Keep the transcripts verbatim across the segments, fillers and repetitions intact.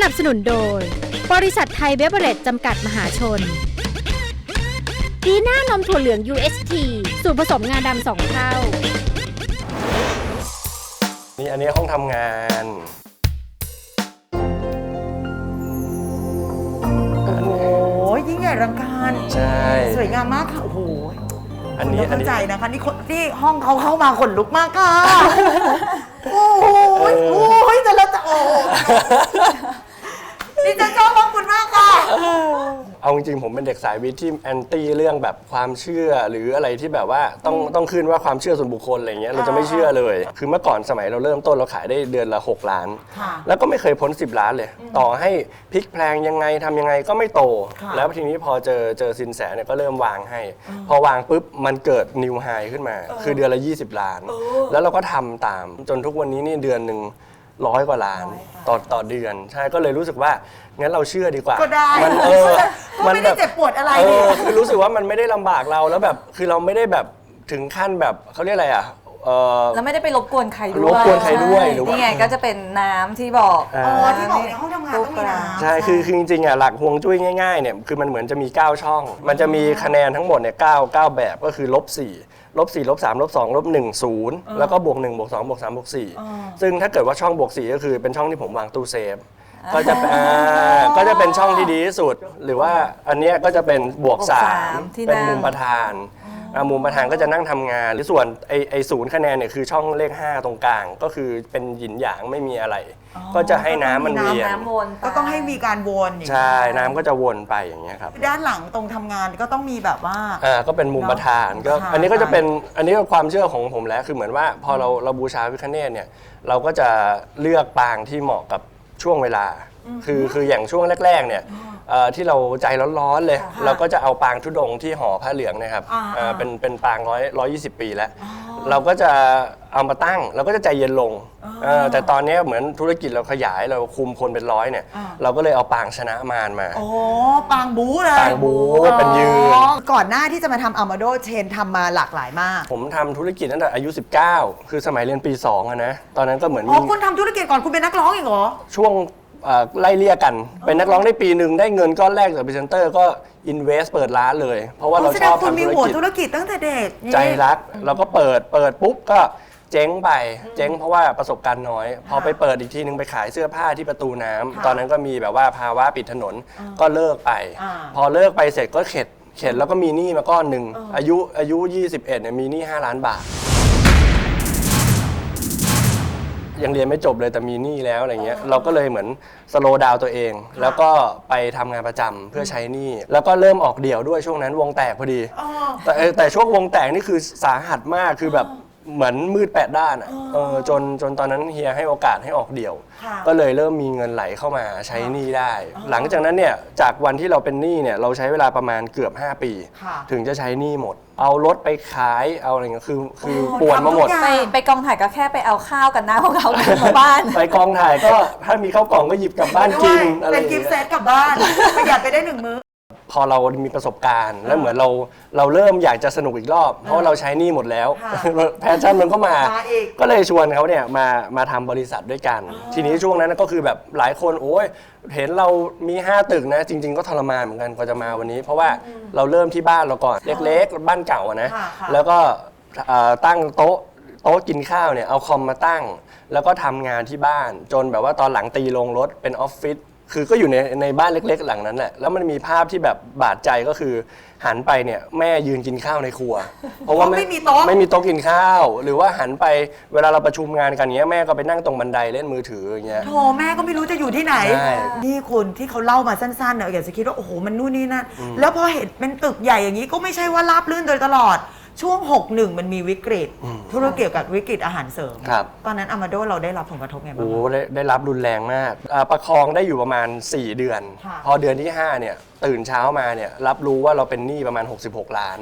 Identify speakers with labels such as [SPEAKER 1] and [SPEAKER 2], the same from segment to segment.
[SPEAKER 1] นับสนุนโดยบริษัทไทยเบเวอเรจจำกัดมหาชนดีน่านมถั่วเหลือง ยู เอช ที สูตรผสมงาดำสองเท่า
[SPEAKER 2] นี่อันนี้ห้องทำงาน
[SPEAKER 3] โอ้โหยิ่งใหญ่รังการ
[SPEAKER 2] ใช่
[SPEAKER 3] สวยงามมากค่ะโอ้โห
[SPEAKER 2] อันนี้
[SPEAKER 3] เข้าใจนะคะนี่ที่ห้องเขาเข้ามาขนลุกมากค่ะโอ้ยโอ้ยแต่ละจะโอ้นี่จะชอบห้องคุณมากค่ะ
[SPEAKER 2] เอาจริงๆผมเป็นเด็กสายวิทย์ที่แอนตี้เรื่องแบบความเชื่อหรืออะไรที่แบบว่าต้องต้องขึ้นว่าความเชื่อส่วนบุคคลอะไรเงี้ยเราจะไม่เชื่อเลยคือเมื่อก่อนสมัยเราเริ่มต้นเราขายได้เดือนละหกล้านแล้วก็ไม่เคยพ้นสิบล้านเลยต่อให้พลิกแพลงยังไงทำยังไงก็ไม่โตแล้วทีนี้พอเจอเจอสินแสเนี่ยก็เริ่มวางให้พอวางปุ๊บมันเกิดนิวไฮขึ้นมาคือเดือนละยี่สิบล้านแล้วเราก็ทำตามจนทุกวันนี้นี่เดือนหนึ่งร้อยกว่าล้านต่อต่อเดือนใช่ก็เลยรู้สึกว่างั้นเราเชื่อดีกว่า
[SPEAKER 3] ก็ได้
[SPEAKER 2] มันเออ
[SPEAKER 3] มันไม่ได้เจ็บปวดอะไร
[SPEAKER 2] เออคือรู้สึกว่ามันไม่ได้ลำบากเราแล้วแบบคือเราไม่ได้แบบถึงขั้นแบบเขาเรียกอะไรอ่ะ
[SPEAKER 4] แล้วไม่ได้ไปรบกวนใครด้วย
[SPEAKER 2] รบกวนใครด้วยหรือว่า
[SPEAKER 4] นี่ไงก็จะเป็นน้ำที่บอก
[SPEAKER 3] อ๋อที่บอกในห้องทำงานต้องมีน้ำ
[SPEAKER 2] ใช่คือคือจริงๆอ่ะหลักฮวงจุ้ยง่ายๆเนี่ยคือมันเหมือนจะมีเก้าช่องมันจะมีคะแนนทั้งหมดเนี่ยเก้า เก้าแบบก็คือลบสี่ลบสี่ลบสามลบสองลบหนึ่งศูนย์แล้วก็บวกหนึ่งบวกสองบวกสามบวกสี่ซึ่งถ้าเกิดว่าช่องบวกสี่ก็คือเป็นช่องที่ผมวางตู้เซฟก็จะก็จะเป็นช่องที่ดีที่สุดหรือว่าอันนี้ก็จะเป็นบวกสามเป็นมุมประธานมุมประธานก็จะนั่งทำงานหรือส่วนไอไอศูนย์คะแนนเนี่ยคือช่องเลขห้าตรงกลางก็คือเป็นหยินหยางไม่มีอะไรก็จะให้น้ำมันเวียน
[SPEAKER 3] ก็ต้องให้มีการวน
[SPEAKER 2] ใช่น้ำก็จะวนไปอย่างเงี้ยครับ
[SPEAKER 3] ด้านหลังตรงทำงานก็ต้องมีแบบว่า
[SPEAKER 2] อ่าก็เป็นมุมประธานก็อันนี้ก็จะเป็นอันนี้ก็ความเชื่อของผมแล้วคือเหมือนว่าพอเราเราบูชาพระพิฆเนศเนี่ยเราก็จะเลือกปางที่เหมาะกับช่วงเวลาคือคืออย่างช่วงแรกๆเนี่ยที่เราใจร้อนๆเลยเราก็จะเอาปางธุดงค์ที่ห่อผ้าเหลืองนะครับเป็นเป็นปางร้อยร้อยยี่สิบปีแล้วเราก็จะเอามาตั้งเราก็จะใจเย็นลงแต่ตอนนี้เหมือนธุรกิจเราขยายเราคุมคนเป็นร้อยเนี่ยเราก็เลยเอาปางชนะมารมา
[SPEAKER 3] โอ้ปางบู๊เลย
[SPEAKER 2] ปางบู๊เป็นยืน
[SPEAKER 3] ก่อนหน้าที่จะมาทำอามาโดเชนทำมาหลากหลายมาก
[SPEAKER 2] ผมทำธุรกิจตั้งแต่อายุสิบเก้าคือสมัยเรียนปีสองอะนะตอนนั้นก็เหมือน
[SPEAKER 3] อ๋อคุณทำธุรกิจก่อนคุณเป็นนักร้องอีกเหรอ
[SPEAKER 2] ช่วงไล่เลี่ยกันเป็นนักร้องได้ปีหนึ่งได้เงินก้อนแรกจากพรีเซนเตอร์ก็อินเวสต์เปิดร้านเลยเพราะว่าเราชอบทำธุรกิจคุณมีหัว
[SPEAKER 3] ธุรกิจตั้งแต่เด็ก
[SPEAKER 2] ใจรักเราก็เปิดเปิดปุ๊บก็เจ๊งไปเจ๊งเพราะว่าประสบการณ์น้อยพอไปเปิดอีกทีนึงไปขายเสื้อผ้าที่ประตูน้ำตอนนั้นก็มีแบบว่าภาวะปิดถนนก็เลิกไปพอเลิกไปเสร็จก็เข็ดเข็ดแล้วก็มีหนี้มาก้อนหนึ่งอายุอายุยี่สิบเอ็ดเนี่ยมีหนี้ห้าล้านบาทยังเรียนไม่จบเลยแต่มีหนี้แล้วอะไรเงี้ยเราก็เลยเหมือนสโลว์ดาวน์ตัวเองแล้วก็ไปทำงานประจำเพื่อใช้หนี้แล้วก็เริ่มออกเดี่ยวด้วยช่วงนั้นวงแตกพอดีแต่แต่ช่วงวงแตกนี่คือสาหัสมากคือแบบเหมือนมืดแปดด้านอ่ะจนจนตอนนั้นเฮียให้โอกาสให้ออกเดี่ยวก็เลยเริ่มมีเงินไหลเข้ามาใช้หนี้ได้หลังจากนั้นเนี่ยจากวันที่เราเป็นหนี้เนี่ยเราใช้เวลาประมาณเกือบห้าปีถึงจะใช้หนี้หมดเอารถไปขายเอาอะไรเงี้ยคือคือป่วนมาหมด
[SPEAKER 4] ไปไปกองถ่ายก็แค่ไปเอาข้าวกันนะพวกเขากลับบ้าน
[SPEAKER 2] ไปกองถ่ายก็ถ้ามีข้าวกล่องก็หยิบกลับบ้านกิน
[SPEAKER 3] อะไรเป็นกิฟต์เซตกลับบ้านประหยัดไปได้หนึ่งมื้อ
[SPEAKER 2] พอเรามีประสบการณ์แล้วเหมือนเราเราเริ่มอยากจะสนุกอีกรอบเพราะเราใช้หนี้หมดแล้วแพชชั่นมันก็มาก็เลยชวนเขาเนี่ยมามาทำบริษัทด้วยกันทีนี้ช่วงนั้นก็คือแบบหลายคนโอ้ยเห็นเรามีห้าตึกนะจริงๆก็ทรมานเหมือนกันกว่าจะมาวันนี้เพราะว่าเราเริ่มที่บ้านเราก่อนเล็กๆบ้านเก่านะแล้วก็ตั้งโต๊ะโต๊ะกินข้าวเนี่ยเอาคอมมาตั้งแล้วก็ทำงานที่บ้านจนแบบว่าตอนหลังตีลงรถเป็นออฟฟิศคือก็อยู่ในในบ้านเล็กๆหลังนั้นแหละแล้วมันมีภาพที่แบบบาดใจก็คือหันไปเนี่ยแม่ยืนกินข้าวในครัว
[SPEAKER 3] เพราะว่าไม่มีโต๊ะ
[SPEAKER 2] ไม่มีโต๊ะกินข้าวหรือว่าหันไปเวลาเราประชุมงานกันเงี้ยแม่ก็ไปนั่งตรงบันไดเล่นมือถืออย่างเงี้ย
[SPEAKER 3] โธ่แม่ก็ไม่รู้จะอยู่ที่ไหนนี่คุณที่เขาเล่ามาสั้นๆเนี่ยอยากจะคิดว่าโอ้โหมันนู่นนี่นั่นแล้วพอเห็นเป็นตึกใหญ่อย่างนี้ก็ไม่ใช่ว่าราบรื่นโดยตลอดช่วงหกสิบเอ็ดมันมีวิกฤตธุรกิจกับวิกฤตอาหารเสริมตอนนั้นอามาโดเราได้รับผลกระทบไงบ้าง
[SPEAKER 2] โอ้ได้ได้รับรุนแรงมากประคองได้อยู่ประมาณสี่เดือนพอเดือนที่ห้าเนี่ยตื่นเช้ามาเนี่ยรับรู้ว่าเราเป็นหนี้ประมาณหกสิบหกล้าน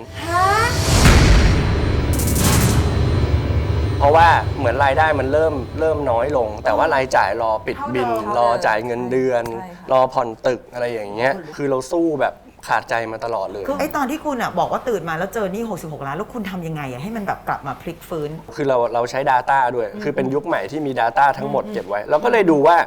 [SPEAKER 2] เพราะว่าเหมือนรายได้มันเริ่มเริ่มน้อยลงแต่ว่ารายจ่ายรอปิดบินรอจ่ายเงินเดือนรอผ่อนตึกอะไรอย่างเงี้ยคือเราสู้แบบขาดใจมาตลอดเลย
[SPEAKER 3] คือไอ้ตอนที่คุณอ่ะบอกว่าตื่นมาแล้วเจอหนี้หกสิบหกล้านแล้วคุณทำยังไงอ่ะให้มันแบบกลับมาพลิกฟื้น
[SPEAKER 2] คือเราเราใช้ Data ด้วยคือเป็นยุคใหม่ที่มี Data ทั้งหมดเก็บไว้เราก็เลยดูว่า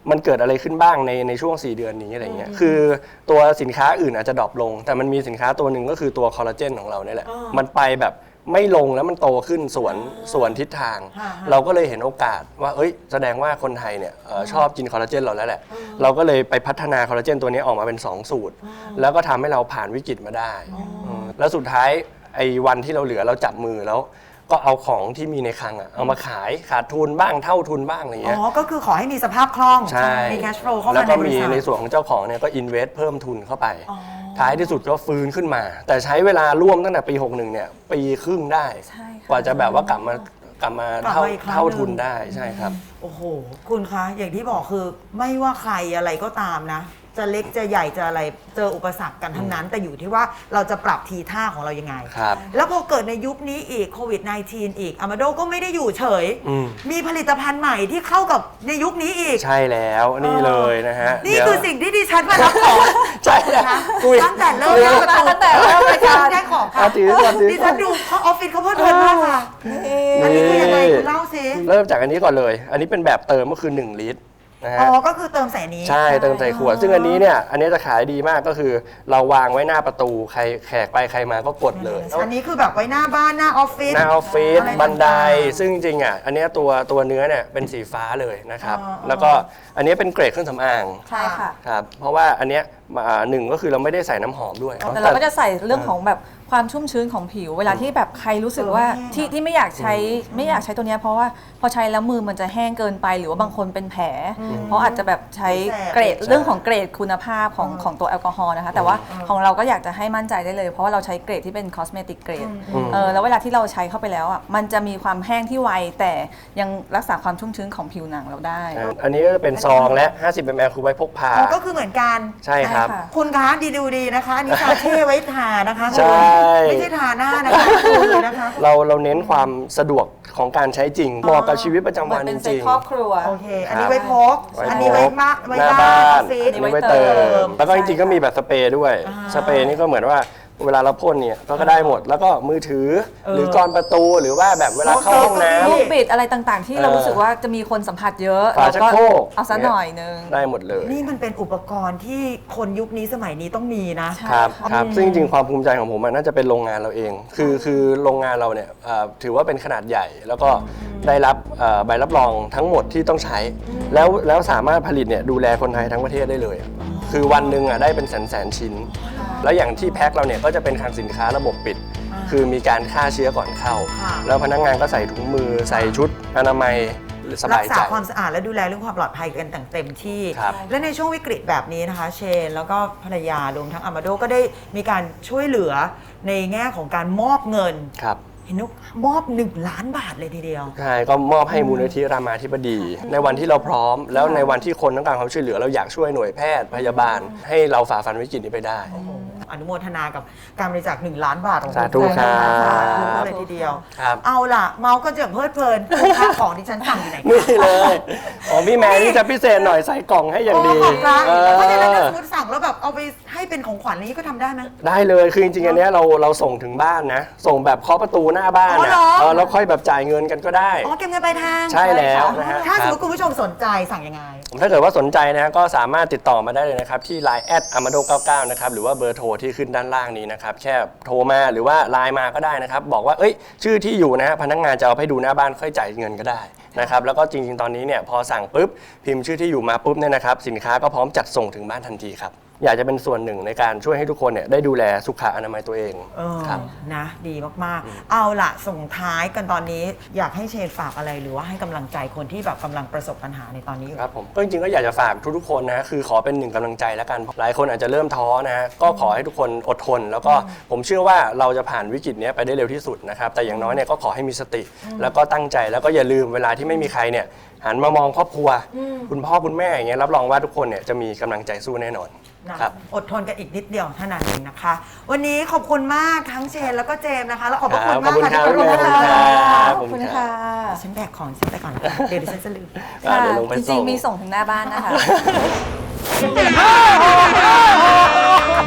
[SPEAKER 2] มันเกิดอะไรขึ้นบ้างในในช่วงสี่เดือนนี้อะไรเงี้ยคือตัวสินค้าอื่นอาจจะดรอปลงแต่มันมีสินค้าตัวหนึ่งก็คือตัวคอลลาเจนของเราเนี่ยแหละมันไปแบบไม่ลงแล้วมันโตขึ้นสวนสวนทิศทาง เราก็เลยเห็นโอกาสว่าเอ้ยแสดงว่าคนไทยเนี่ยเอ่อชอบกินคอลลาเจนเราแล้วแหละเราก็เลยไปพัฒนาคอลลาเจนตัวนี้ออกมาเป็นสองสูตร แล้วก็ทำให้เราผ่านวิกฤตมาได้อืมแล้วสุดท้ายไอ้วันที่เราเหลือเราจับมือแล้วก็เอาของที่มีในคลังอะเอามาขายขาดทุนบ้างเท่าทุนบ้างอะไร
[SPEAKER 3] อ๋
[SPEAKER 2] เงี้ย
[SPEAKER 3] อก็คือขอให้มีสภาพคล่อง
[SPEAKER 2] ใช่
[SPEAKER 3] มี cash flow เข้า
[SPEAKER 2] แล้ว
[SPEAKER 3] มาใน
[SPEAKER 2] ก็
[SPEAKER 3] บริ
[SPEAKER 2] มี
[SPEAKER 3] ษัท
[SPEAKER 2] ในส่วนของเจ้าของเนี่ยก็อินเวสเพิ่มทุนเข้าไป
[SPEAKER 3] อ๋อ
[SPEAKER 2] ท้ายที่สุดก็ฟื้นขึ้นมา แต่ใช้เวลาร่วมตั้งแต่ปี หกสิบเอ็ด เนี่ยปีครึ่งได้
[SPEAKER 4] ใช่ค่ะ
[SPEAKER 2] กว่าจะแบบว่ากลับมากลับมาก
[SPEAKER 3] ลับ
[SPEAKER 2] เท่า
[SPEAKER 3] มาอีกครั้ง
[SPEAKER 2] เท่า
[SPEAKER 3] หนึ่ง
[SPEAKER 2] ทุนได้ใช่ครับ
[SPEAKER 3] โอ้โห คุณคะ อย่างที่บอกคือไม่ว่าใครอะไรก็ตามนะ จะเล็กจะใหญ่จะอะไรเจออุปสรรคกันทั้งนั้น แต่อยู่ที่ว่าเราจะปรับทีท่าของเรายังไง
[SPEAKER 2] ครับ
[SPEAKER 3] แล้วพอเกิดในยุคนี้อีกโควิด สิบเก้า อีกอามาโดก็ไม่ได้อยู่เฉย
[SPEAKER 2] อืม
[SPEAKER 3] มีผลิตภัณฑ์ใหม่ที่เข้ากับในยุคนี้อีก
[SPEAKER 2] ใช่แล้วนี่เลยนะฮะ
[SPEAKER 3] นี่
[SPEAKER 2] เดี๋ยว
[SPEAKER 3] คือสิ่งที่ดิฉันมารับของ
[SPEAKER 2] ใช่แล้ว
[SPEAKER 3] นะ
[SPEAKER 2] คุย
[SPEAKER 3] ตั้งแต่เริ่มประตู
[SPEAKER 4] ตั้งแต่เริ่มรายการ
[SPEAKER 3] ได้ของค่ะ
[SPEAKER 2] อ่ะถือก่อนถือก่อน
[SPEAKER 3] ดิฉันดูเขาออฟฟิศเขาเพลิดเพลินมากค่ะ อันนี้คือยังไงคุณเล่าสิ
[SPEAKER 2] เริ่มจากอันนี้ก่อนเลย อันนี้เป็นแบบเติมก็คือหนึ่งลิตรนะฮะ
[SPEAKER 3] อ๋อ ก็คือเติมใส่นี้
[SPEAKER 2] ใช่เติมใส่ขวด ซึ่งอันนี้เนี่ยอันนี้จะขายดีมากก็คือ เราวางไว้หน้าประตูใครแขกไปใครมาก็กดเลย
[SPEAKER 3] อันนี้คือแบบไว้หน้าบ้านหน้าออฟฟิศ
[SPEAKER 2] หน้าออฟฟิศ
[SPEAKER 3] อะไร
[SPEAKER 2] บันได
[SPEAKER 3] ต่างๆ
[SPEAKER 2] ซึ่งจริงๆอ่ะอันเนี้ยตัวตัวเนื้อเนี่ยเป็นสีฟ้าเลยนะครับ
[SPEAKER 3] อ๋อ
[SPEAKER 2] แล้วก็อันเนี้ยเป็นเกรดเครื่องสำอาง
[SPEAKER 4] ใช่ค่ะ
[SPEAKER 2] ครับเพราะว่าอันเนี้ยอ่าหนึ่งก็คือเราไม่ได้ใส่น้ำหอมด้วย
[SPEAKER 4] แต่เราก็จะใส่เรื่องของแบบความชุ่มชื้นของผิว เวลาที่แบบใครรู้สึกว่า
[SPEAKER 3] เออ
[SPEAKER 4] ที่ที่ไม่อยากใช้ไม่อยากใช้ตัวเนี้ยเพราะว่าพอใช้แล้วมือมันจะแห้งเกินไปหรือว่าบางคนเป็นแผล เพราะอาจจะแบบใช้เกรดเรื่องของเกรดคุณภาพของของตัวแอลกอฮอล์นะคะแต่ว่าของเราก็อยากจะให้มั่นใจได้เลย เพราะว่าเราใช้เกรดที่เป็นคอสเมติกเกรดเออแล้วเวลาที่เราใช้เข้าไปแล้วอ่ะมันจะมีความแห้งที่ไวแต่ยังรักษาความชุ่มชื้นของผิวหนังเราได้
[SPEAKER 2] อันนี้ก็จะเป็นซองและ ห้าสิบมิลลิลิตร คือไว้พกพา
[SPEAKER 3] อ๋อก็คือเหมือนกัน
[SPEAKER 2] ใช่ครับ
[SPEAKER 4] ใช่ค่ะ
[SPEAKER 3] คุณคะดีดูดีนะคะอันนี้ชาเช่ไว้ทานะคะ
[SPEAKER 2] ใช่
[SPEAKER 3] ไม่ใช่ทาหน้านะคะดูเลยนะคะ
[SPEAKER 2] เราเราเน้นความสะดวกของการใช้จริงเหมาะกับชีวิตประจำ
[SPEAKER 4] เหมื
[SPEAKER 2] วั
[SPEAKER 4] อน น
[SPEAKER 2] จ
[SPEAKER 4] เป็นเซ็ต
[SPEAKER 2] ริง
[SPEAKER 4] ครอบครัว
[SPEAKER 3] โอเค อันนี้ไว้พก
[SPEAKER 2] ไว้พก
[SPEAKER 3] อันนี้ไว้มาไว้
[SPEAKER 2] หน้า
[SPEAKER 3] บ้า
[SPEAKER 2] บ้าน น
[SPEAKER 3] ออฟฟิศ
[SPEAKER 2] อันนี้ไว้เติม แล้วก็จริงๆก็มีแบบสเปรย์ด้วย
[SPEAKER 3] อ่า
[SPEAKER 2] สเปรย์นี่ก็เหมือนว่าเวลาเราพ่นเนี่ยก็ได้หมด แล้วก็มือถือ
[SPEAKER 3] เออ
[SPEAKER 2] หรือกรประตูหรือว่าแบบเวลาเข้าห้องน้
[SPEAKER 4] ลูกบิดอะไรต่างๆ ที่เรารู้สึกว่าจะมีคนสัมผัสเยอะ
[SPEAKER 2] ฝา
[SPEAKER 4] เรา
[SPEAKER 2] ชัก
[SPEAKER 4] ก็
[SPEAKER 2] โครก
[SPEAKER 4] เอาซะหน่อยนึง
[SPEAKER 2] ำได้หมดเลย
[SPEAKER 3] นี่มันเป็นอุปกรณ์ที่คนยุคนี้สมัยนี้ต้องมีนะ
[SPEAKER 4] ใช่
[SPEAKER 2] ครับ
[SPEAKER 4] ค่ะ
[SPEAKER 2] ครับซึ่งจริงๆความภูมิใจของผมมันน่าจะเป็นโรงงานเราเอง คือคือโรงงานเราเนี่ยเอ่อถือว่าเป็นขนาดใหญ่ แล้วก็ได้รับเอ่อใบรับรองทั้งหมดที่ต้องใช้ แล้วแล้วสามารถผลิตเนี่ยดูแลคนไทยทั้งประเทศได้เลย คือวันหนึ่งอ่ะได้เป็นแสนแสนชิ้น แล้วอย่างที่แพ็คเราเนี่ยก็จะเป็นคลังสินค้าระบบปิด คือมีการฆ่าเชื้อก่อนเข้า
[SPEAKER 3] ค่ะ
[SPEAKER 2] แล้วพนักงานก็ใส่ถุงมือใส่ชุดอนามัยส
[SPEAKER 3] รั
[SPEAKER 2] บาก ย
[SPEAKER 3] ษา
[SPEAKER 2] ใจ
[SPEAKER 3] ความสะอาดและดูแลเรื่องความปลอดภัยกันต่างเต็มที่
[SPEAKER 2] ครับ
[SPEAKER 3] และในช่วงวิกฤตแบบนี้นะคะ เชน แล้วก็ภรรยารวมทั้งอามาโดก็ได้มีการช่วยเหลือในแง่ของการมอบเงิน
[SPEAKER 2] ครับ
[SPEAKER 3] เห็นว่ามอบหนึ่งล้านบาทเลยทีเดียว
[SPEAKER 2] ใช่ก็มอบให้มูลนิธิรามาธิบดี ในวันที่เราพร้อม แล้วในวันที่คนต้องการความช่วยเหลือเราอยากช่วยหน่วยแพทย์พยาบาล ให้เราฝ่าฟันวิกฤตนี้ไปได้
[SPEAKER 3] อนุโมทนากับการบริจาคหนึ่งล้านบาทของ
[SPEAKER 2] สาธุ
[SPEAKER 3] ณแฟนนะคะ
[SPEAKER 2] ครับ
[SPEAKER 3] สาธุเลยทีเดียว
[SPEAKER 2] ครับ
[SPEAKER 3] เอาล่ะ เมาส์ก็จะเพลิดเพลินคุณค่าของที่ฉันสั่งอยู่ไหนคะ
[SPEAKER 2] นี่เลยของพี่แมนนี่จะพิเศษหน่อยใส่กล่องให้อย่างดี
[SPEAKER 3] โขอบคุณ
[SPEAKER 2] เออ
[SPEAKER 3] เพราะฉะนั้นถ้าสมมติสั่งแล้วแบบเอาไปให้เป็นของขวัญอะไรนี้ก็ทำได้ไหม
[SPEAKER 2] ได้เลยคือจริงๆอันเนี้ยเราเราส่งถึงบ้านนะ ส่งแบบเคาะประตูหน้าบ้าน
[SPEAKER 3] อ๋อ
[SPEAKER 2] นะ
[SPEAKER 3] เหรอ
[SPEAKER 2] เออแล้วค่อยแบบจ่ายเงินกันก็ได้
[SPEAKER 3] อ๋อเก็บเงินปลายทาง
[SPEAKER 2] ใช่แล้วนะฮะ
[SPEAKER 3] ถ้าสมม
[SPEAKER 2] ค
[SPEAKER 3] ติ
[SPEAKER 2] รับ
[SPEAKER 3] คุณผู้ชมสนใจสั่งยังไง
[SPEAKER 2] ถ้าเกิดว่าสนใจนะก็สามารถติดต่อมาได้เลยนะครับ ที่ ไลน์ แอท อามาโด เก้าสิบเก้า นะครับ หรือว่าเบอร์โทรที่ขึ้นด้านล่างนี้นะครับ แค่โทรมาหรือว่าไลน์มาก็ได้นะครับ บอกว่าเอ้ยชื่อที่อยู่นะฮะพนักงานจะเอาให้ดูหน้าบ้านค่อยจ่ายเงินก็ได้นะครับแล้วก็จริงๆตอนนี้เนี่ยพอสั่งปุ๊บพิมพ์ชื่อที่อยู่มาปุ๊บเนี่ยนะครับสินค้าก็พร้อมจัดส่งถึงบ้านทันทีครับอยากจะเป็นส่วนหนึ่งในการช่วยให้ทุกคนเนี่ยได้ดูแลสุขอนามัยตัวเอง
[SPEAKER 3] เออ
[SPEAKER 2] ครับ
[SPEAKER 3] นะดีมากๆ เอาล่ะ ส่งท้ายกันตอนนี้อยากให้เชนฝากอะไรหรือว่าให้กำลังใจคนที่แบบกำลังประสบปัญหาในตอนนี้อยู่
[SPEAKER 2] ครับผมก็จริงๆก็อยากจะฝากทุกๆคนนะคือขอเป็นหนึ่งกำลังใจแล้วกันหลายคนอาจจะเริ่มท้อนะฮะก็ขอให้ทุกคนอดทน แล้วก็ผมเชื่อว่าเราจะผ่านวิกฤตนี้ไปได้เร็วที่สุดนะครับแต่อย่างน้อยเนี่ยก็ขอให้มีสติ แล้วก็ตั้งใจแล้วก็อย่าลืมเวลาที่ไม่มีใครเนี่ยหันมามองครอบครัว คุณพ่อคุณแม่อย่างเงี้ยรับรองว่าทุกคนเนี่ยจะมีกำลังใจสู้แน่นอน
[SPEAKER 3] นะครับ อดทนกันอีกนิดเดียวเท่านั้นเองนะคะ วันนี้ขอบคุณมากทั้งเชนแล้วก็เจมส์นะคะ แล้วขอบพระคุณมาก
[SPEAKER 2] ขอบคุณครับ
[SPEAKER 3] ที่มาร่วม
[SPEAKER 2] ขอบคุณครั
[SPEAKER 3] ค่ะ
[SPEAKER 2] บ
[SPEAKER 4] ขอบคุณค่ะ
[SPEAKER 3] ฉันแบกของฉันไปก่อน เดี๋ยวดิฉันจะลืม
[SPEAKER 2] อ่ะเดี๋ยวลงไป
[SPEAKER 4] จ
[SPEAKER 2] ส่
[SPEAKER 4] ริง
[SPEAKER 2] ง
[SPEAKER 4] ๆมีส่งถึงหน้าบ้านนะคะ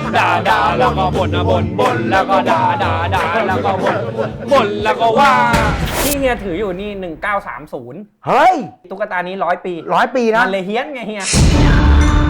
[SPEAKER 5] ด่าด่าแล้วก็บ่นนะบ่นบ่นแล้วก็ด่าด่าด่าแล้วก็บ่นบ่นแล้วก็ว่าที่เฮียถืออยู่นี่หนึ่งเก้าสามศูนย์
[SPEAKER 6] เฮ้ย
[SPEAKER 5] ตุ๊กตานี้ร้อยปี
[SPEAKER 6] ร้อยปีนะ
[SPEAKER 5] มันเลยเฮี้ยนไงเฮีย